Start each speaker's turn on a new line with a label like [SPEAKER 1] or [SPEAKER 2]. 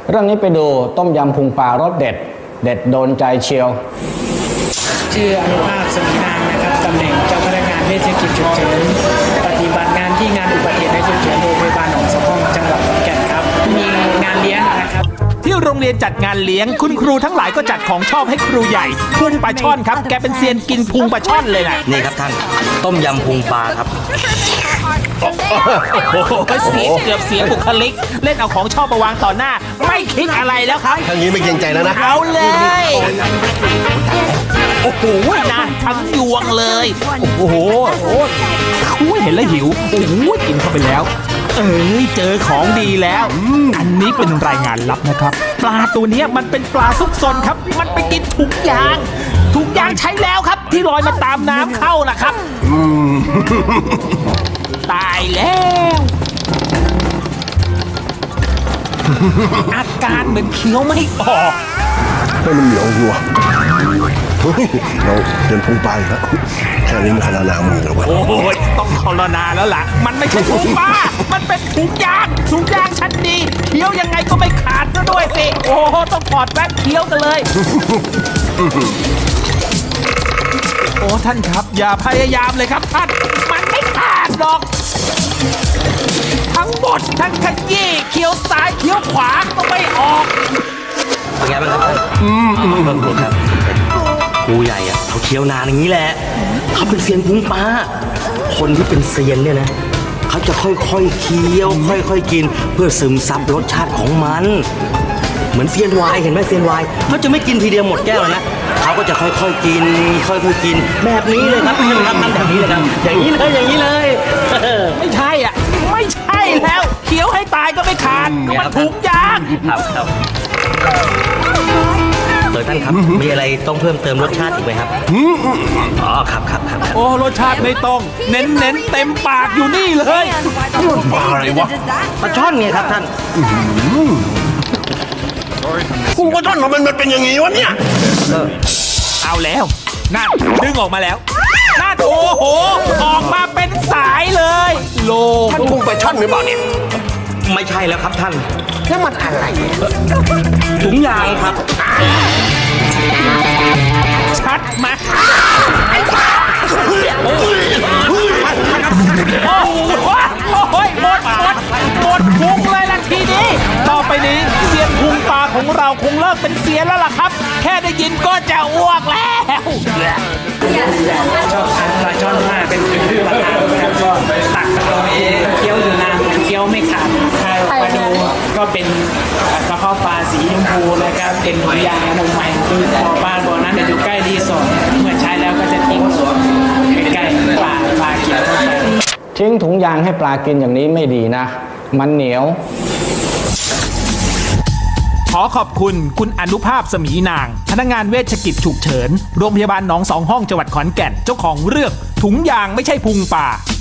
[SPEAKER 1] เรื่องนี้ไปดูต้มยำพุงปลารสเด็ด เด็ดโดนใจเชียว
[SPEAKER 2] ชื่ออนุภาพสมีนามนะครับตำแหน่งเจ้าพนักงานเวชกิจฉุกเฉินปฏิบัติงานที่งานอุบัติเหตุและฉุกเฉินโรงพยาบาลหนองสองห้องจังหวัดขอนแก่นครับมีงานเลี้ยงนะครับ
[SPEAKER 3] ที่โรงเรียนจัดงานเลี้ยงคุณครูทั้งหลายก็จัดของชอบให้ครูใหญ่พุงปลาช่อนครับแกเป็นเซียนกินพุงปลาช่อนเลยนะ
[SPEAKER 4] นี่ครับท่านต้มยำพุงปลาครับ
[SPEAKER 3] โอ้โหเสียเกือบเสียบุคลิกเล่นเอาของชอบมาวางต่อหน้าไม่คิดอะไรแล้วครับ
[SPEAKER 5] ทางนี้ไม่เกรงใจแล้วนะ
[SPEAKER 3] เอาเลยโอ้โหนะทั้งยวงเลยโอ้โหเห็นแล้วหิวโอ้โหกินเข้าไปแล้วเจอของดีแล้วอันนี้เป็นรายงานลับนะครับปลาตัวนี้มันเป็นปลาซุกซนครับมันไปกินถุงยางใช้แล้วครับที่ลอยมาตามน้ำเข้านะครับตายแล้วอาการเหมือนเคี้ยวไม่ออก
[SPEAKER 5] ให้มันเหนียวอยู่เราเดินพุงปลาอีกแล้วแค่นี้มันขนาดมือแล้ววะ
[SPEAKER 3] โอ้ยต้องคอรนาแล้วล่ะมันไม่ใช่ถุงปลามันเป็นถุงยางชั้นดีเคี้ยวยังไงก็ไม่ขาดซะด้วยสิโอ้โหต้องถอดแว่นเคี้ยวกันเลยโอ้ท่านครับอย่าพยายามเลยครับท่านมันไม่ขาดหรอกทั้งหมดทั้งขยี้เคี้ยวซ้ายเคี้ยวขวาก็ไม่ออก
[SPEAKER 4] เป็นไงบ้างครับเบิ่งครับครูใหญ่อะเขาเคี้ยวนานอย่างนี้แหละเขาเป็นเซียนพุงปลาคนที่เป็นเซียนเนี่ยนะเขาจะค่อยๆเคี้ยวค่อยๆกินเพื่อซึมซับรสชาติของมันเหมือนเซียนไวน์เห็นไหมเซียนไวน์เขาจะไม่กินทีเดียวหมดแก้วนะเขาก็จะค่อยๆกินแบบนี้เลยครับทำแบบนี้เลยครับอย่างนี้เลย
[SPEAKER 3] ไม่ใช่อ่ะไม่ใช่แล้วเคี้ยวให้ตายก็ไม่ขาดมันถุงยาง
[SPEAKER 4] ครับท่านครับมีอะไรต้องเพิ่มเติมรสชาติอีกไหมครับอ๋อครับ
[SPEAKER 3] โอ้รสชาติไม่ต้องเน้นเต็มปากอยู่นี่เลย
[SPEAKER 5] ปลาอะไรวะ
[SPEAKER 4] ปลาช่อนไงครับท่าน
[SPEAKER 5] พุงปลาช่อนมันเป็นอย่างงี้วะเนี่ย
[SPEAKER 3] เอาแล้วนั่นดึงออกมาแล้วนั่นโอ้โหออกมาเป็นสายเลยโล
[SPEAKER 5] ท่านพุงปลาช่อนหรือเปล่าเนี่ย
[SPEAKER 4] ไม่ใช่แล้วครับท่าน
[SPEAKER 5] แล้วมันอะไร
[SPEAKER 4] ถุงยางครับ
[SPEAKER 3] ชัดมาโอ้ยหมดพุงเลยล่ะทีนี้ต่อไปนี้เซียนพุงปลาของเราคงเลิกเป็นเซียนแล้วล่ะครับแค่ได้ยินก็จะอ้วกแล้ว
[SPEAKER 2] ชอบทานปลาช่อนมากเป็นปลาทานครับก็ตักเราเองเคี้ยวอยู่นานเคี้ยวไม่ขาดใครมาดูก็เป็นกระเพาะปลาสีชมพูนะครับเป็นถุงยางอนามัยคือบ่อนั้นจะอยู่ใกล้รีสอร์ทเมื่อใช้แล้วก็จะทิ้งส่วนใกล้ๆปลากินเข้าไป
[SPEAKER 1] ทิ้งถุงยางให้ปลากินอย่างนี้ไม่ดีนะมันเหนียว
[SPEAKER 3] ขอขอบคุณคุณอนุภาพสมีนางพนักงานเวชกิจฉุกเฉินโรงพยาบาลหนองสองห้องจังหวัดขอนแก่นเจ้าของเรื่องถุงยางไม่ใช่พุงปลา